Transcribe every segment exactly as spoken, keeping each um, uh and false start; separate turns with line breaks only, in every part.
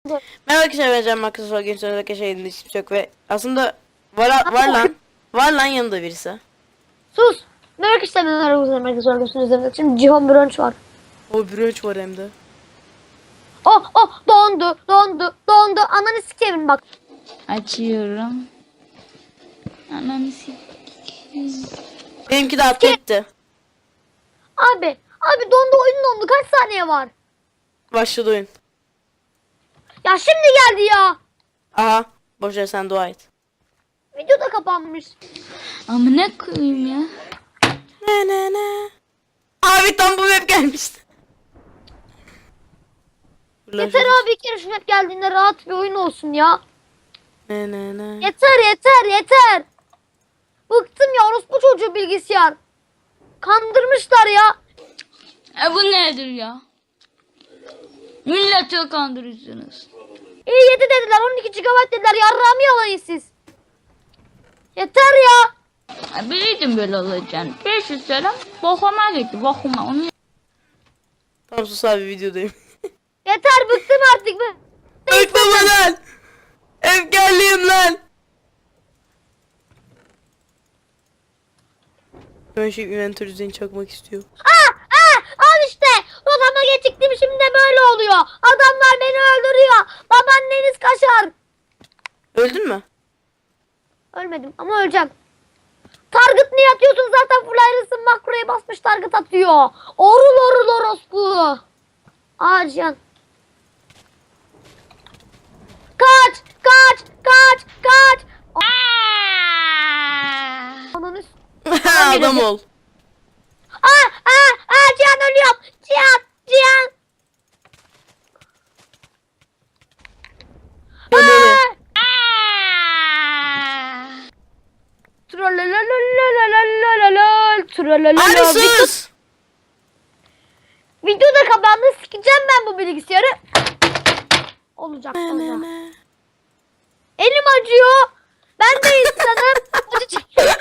Merhaba arkadaşlar, ben Can Marcus. Bugün sonra arkadaşlar elinde hiçbir şey yok ve aslında var, var lan. Var lan yanında birisi.
Sus. Merak istemem aramızda merkez örgüsünün üzerinde. Şimdi Cihan Brunch var.
O brunch var hem de.
Oh oh dondu dondu dondu. Ananı sikeyim bak.
Açıyorum. Ananı sikeyim.
Benimki de atletti.
Abi abi dondu oyun dondu. Kaç saniye var?
Başladı oyun.
Ya şimdi geldi ya.
Aha. Boşver, sen dua et.
Video da kapanmış.
Amına koyayım ya.
Ne ne ne. Abi tam bu map gelmişti.
Yeter abi, bir kere şu map geldiğinde rahat bir oyun olsun ya.
Ne ne ne.
Yeter yeter yeter. Bıktım ya, orospu çocuğu bilgisayar. Kandırmışlar ya.
E bu nedir ya? Milleti kandırıyorsunuz.
İyi yedi dediler, on iki gigabayt dediler. Yarrağımı yalayın siz. Yeter ya.
E biliyordum böyle olacağını. beş yüz selam. Bokuma gitti bokuma. Onu...
Tamam sus abi, videodayım.
Yeter, bıktım artık.
Bıktım lan. Efkarlıyım lan. Ben şey inventör düzeni çakmak istiyor.
Aa, aa, al işte. Odama geçiktim, şimdi de böyle oluyor. Adamlar beni öldürüyor. Babaanneniz kaşar.
Öldün mü?
Ölmedim ama öleceğim. Target niye atıyorsun? Zaten full ayrısın, makroya basmış target atıyor. Orul orul orospu. Aa Cihan. Kaç kaç kaç kaç. Ananı s-
Adam ol.
Aa aa aa Cihan, ölüyorum. Cihan Cihan.
Öyle.
Trololololololololol. Trolololol.
Abi sus.
Video da kapandı. Sikeceğim ben bu bilgisayarı. Olacak sonra. Elim acıyor. Ben de insanım. Acı çekiyorum.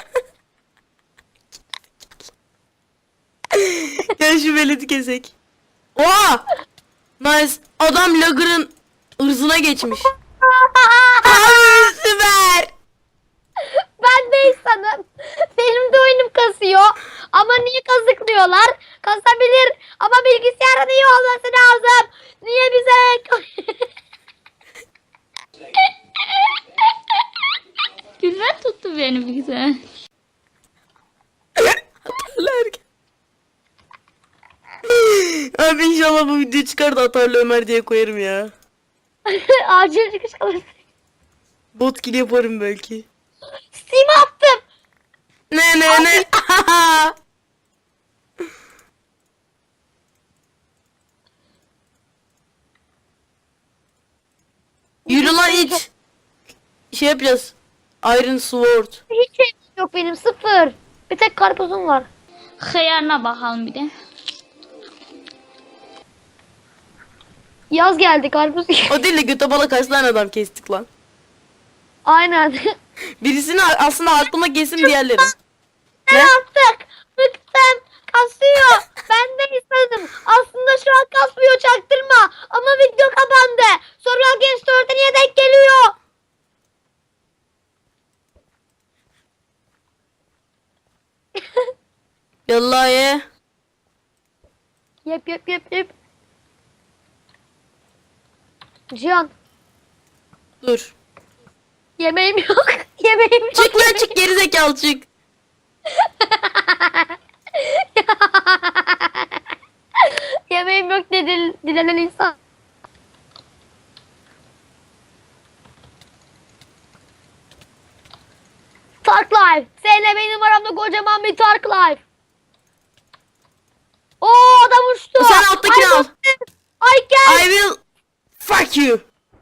Gel şu veledi kesek. Oha! Nice. Adam Lagger'ın ırzına geçmiş. Abi süper.
Ben de insanım. Benim de oyunum kasıyor. Ama niye kazıklıyorlar? Kasabilir. Ama bilgisayarın iyi olması lazım. Niye bize...
Güzel tuttu beni bir güzel.
Atarlar. Abi inşallah bu video çıkar da Atarlı Ömer diye koyarım ya.
Acil çıkış alırsın.
Bot kill yaparım belki.
Steam'e attım.
Ne ne ne. Yürü lan iç. Şey yapacağız. Iron Sword.
Hiç şey yok benim, sıfır. Bir tek karpuzum var.
Hıyarına bakalım bir de.
Yaz geldi, karpuz.
O değil de göte bala kaç tane adam kestik lan.
Aynen.
Birisini aslında aklıma kesin diğerleri.
Ne
Ne?
yaptık? Bıktım. Kasıyor. Ben de istedim. Aslında şu an kasmıyor, çaktırma. Ama video kapandı. Survival Games dörde niye denk geliyor?
Yallah ye.
Yep yep yep yep. Cihan.
Dur.
Yemeğim yok. Yemeğim yok.
Çık lan çık, gerizekalı çık.
Yemeğim yok dedi dilenen insan. Tark Life. Seninle benim aramda kocaman bir Tark Life. Oo, adam uçtu.
Sen alttakini al.
Ay gel.
I will fuck you.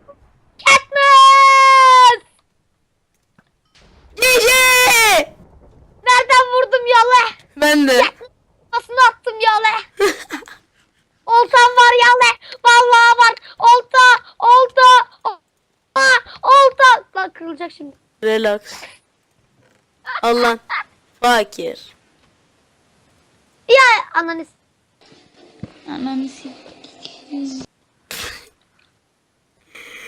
Katniss.
Gece.
Nereden vurdum yalı?
Ben de.
Nasıl attım yalı? Oltam var yalı. Vallahi bak. Olta. Olta. Olta. Olta. Lan kırılacak şimdi.
Relax. Allah. Fakir.
Ya ananı.
Ananı sikeyim.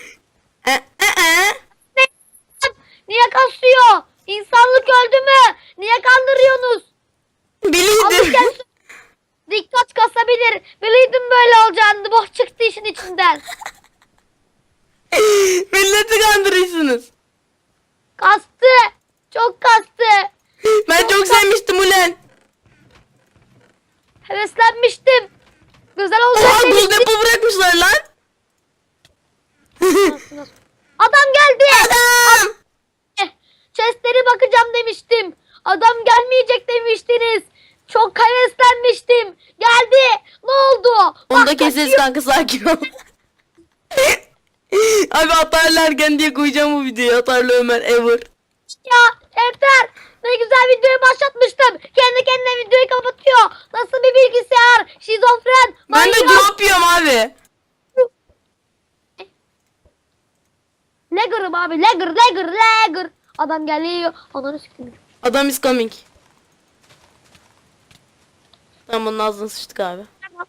Niye kasıyor? İnsanlık öldü mü? Niye kandırıyorsunuz? Abi
Biliydim.
gel. Dikkat kasabilir. Biliydim böyle olacağını. Boş çıktı işin içinden.
Milleti kandırıyorsunuz.
Kastı. Çok kastı.
Ben çok sevmiştim ulan.
Heveslenmiştim. Güzel olacak
Oha buz
demiştim.
depo bırakmışlar lan.
Adam geldi.
Adam.
Eh, Chest'lere bakacağım demiştim. Adam gelmeyecek demiştiniz. Çok heveslenmiştim. Geldi. Ne oldu?
Onu da
Bak,
keseriz
kaçıyor.
kanka, sakin ol. Abi atarlı ergen diye koyacağım bu videoyu. Atarlı Ömer ever.
Ya yeter. Ne güzel videoyu başlatmıştım. Kendi kendine videoyu kapatıyor. Nasıl bir bilgisayar? Şizofren.
Ben de
manyak.
drop yiyorum abi.
Lagger'ım abi. Lagger, lagger, lagger. Adam geliyor. Ananı siktim.
Adam is coming. Tamam onun ağzına sıçtık abi.
Tamam.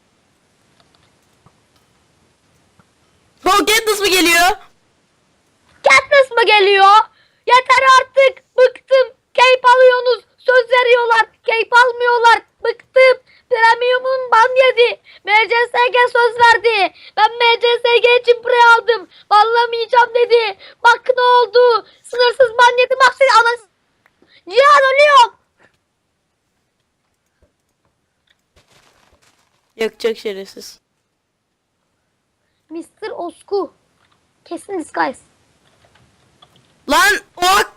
Oh Katniss mı geliyor?
Katniss mı geliyor? Yeter artık. Bıktım. Keyif alıyorsunuz. Söz veriyorlar. Keyif almıyorlar. Bıktım. Premium'un ban yedi. M C S G söz verdi. Ben M C S G için pre aldım. Banlamayacağım dedi. Bak ne oldu. Sınırsız ban yedi. Bak siz anasını. Cihan ölüyorum.
Yakacak şerefsiz.
mister Osku. Kesin disguise.
Lan ok.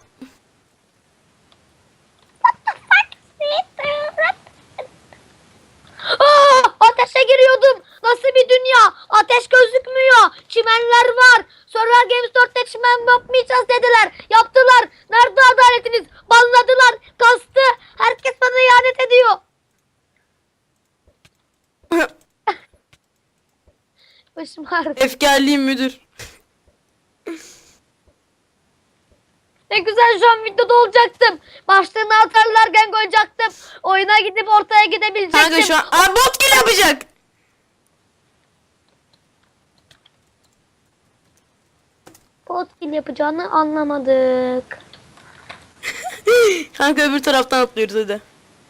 Aa, ateşe giriyordum. Nasıl bir dünya? Ateş gözükmüyor. Çimenler var. Sonra Games dörtte çimen yapmayacağız dediler. Yaptılar. Nerede adaletiniz? Banladılar. Kastı. Herkes bana ihanet ediyor. Başım ağrıdı.
Efkarlıyım müdür.
Ne güzel şu an videoda olacaktım. Başlığını atarlarken koyacaktım. Oyuna gidip ortaya gidebilecektim.
Kanka şu an aa, bot kill yapacak.
Bot kill yapacağını anlamadık.
Kanka öbür taraftan atlıyoruz hadi.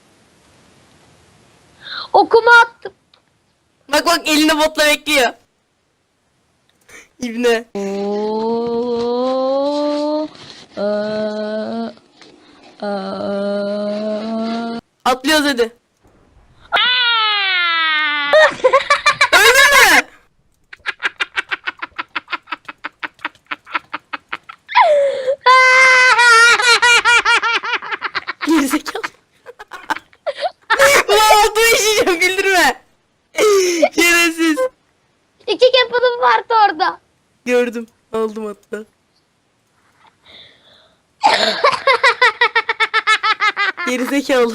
Okuma attım.
Bak bak elinde botla bekliyor. İbne.
Oo, eee, eee.
Atlıyoruz hadi. Öldün mü? Gerizekalı. Ulan altıma işeyeceğim, güldürme. Şerefsiz.
İki cap'ım vardı orada.
Gördüm. Aldım hatta. Gerizekalı.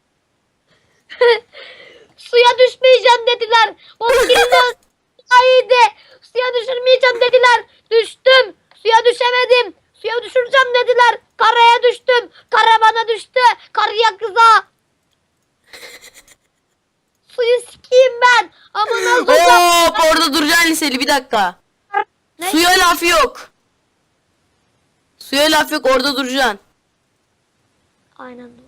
Suya düşmeyeceğim dediler. Bozkir'den iyiydi. Suya düşürmeyeceğim dediler. Düştüm. Suya düşemedim. Suya düşüreceğim dediler. Karaya düştüm. Kara bana düştü. Karıya kıza. Suyu sikeyim ben. Ama nasıl olacak?
Hop orada duracaksın liseli, bir dakika.
Ne?
Suya laf yok. Suya laf yok, orada duracaksın.
Aynen doğru.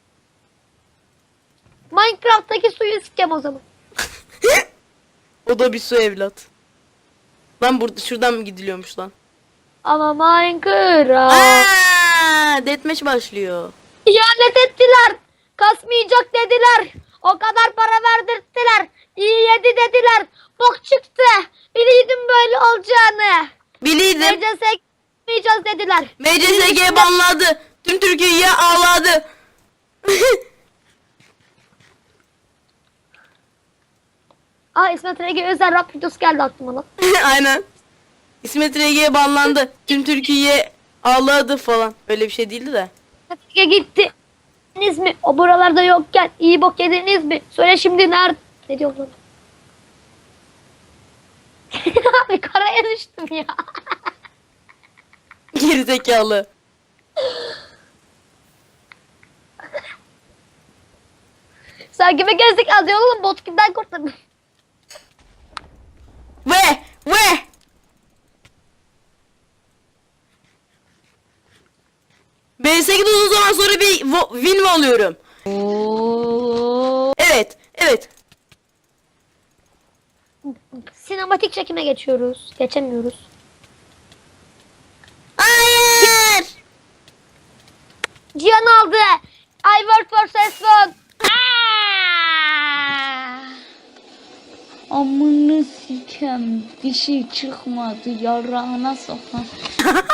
Minecraft'taki suyu sikeceğim o zaman.
O da bir su evlat. Lan burada şuradan mı gidiliyormuş lan?
Ama Minecraft.
Aa, deathmatch başlıyor.
İhanet ettiler. Kasmayacak dediler. O kadar para verdirttiler. İyi yedi dediler. Bok çıktı. Biliydim böyle olacağını.
Biliydim.
M C S gitmeyeceğiz dediler.
M C S G banladı. Tüm Türkiye'ye ağladı.
Aa İsmet Ege özel rap videosu geldi aklıma lan.
Aynen. İsmet R G banlandı. Tüm Türkiye ağladı falan. Öyle bir şey değildi de.
İsmet Ege gitti. Yediniz mi? O buralarda yokken iyi bok yediniz mi? Söyle şimdi nerede? Ne diyorum lan? Abi karaya düştüm ya.
Gerizekalı.
Sen kime gezdik az oğlum bot kimden kurtardın?
Ve ve B sekiz uzun zaman sonra bir vo- win mi alıyorum?
Oo.
Evet. Evet.
Sinematik çekime geçiyoruz. Geçemiyoruz.
Hayır.
Cihan aldı. I work for Sesson.
Amını sikem, dişi çıkmadı, yarağına sokan.